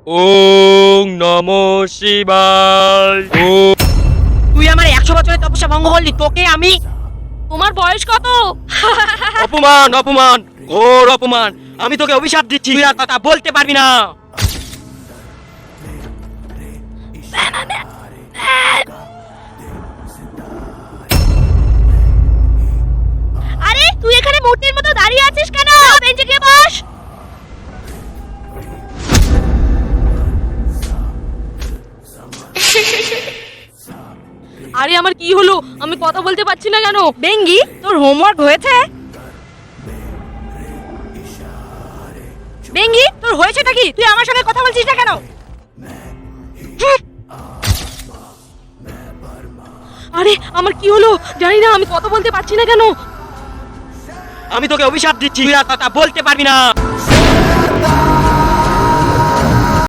ওং নমঃ শিবায়। তুই আমার 100 বছরের তপস্যা ভঙ্গ করলি, তোকে আমি। তোমার বয়স কত? অপমান অপমান ঘোর অপমান। আমি তোকে অভিশাপ দিচ্ছি, তুই আর কথা বলতে পারবি না। আরে তুই এখানে মূর্তির মতো দাঁড়িয়ে আছিস কেন? বেঞ্চে গিয়ে বস। আরে আমার কি হলো? আমি কথা বলতে পারছি না কেন? বেঙ্গি, তোর হোমওয়ার্ক হয়েছে? বেঙ্গি, তোর হয়েছেটা কি? তুই আমার সঙ্গে কথা বলছিস না কেন? হুঁ। আরে আমার কি হলো জানি না, আমি কথা বলতে পারছি না কেন? আমি তোকে অভিশাপ দিচ্ছি, তুই আর কথা বলতে পারবি না।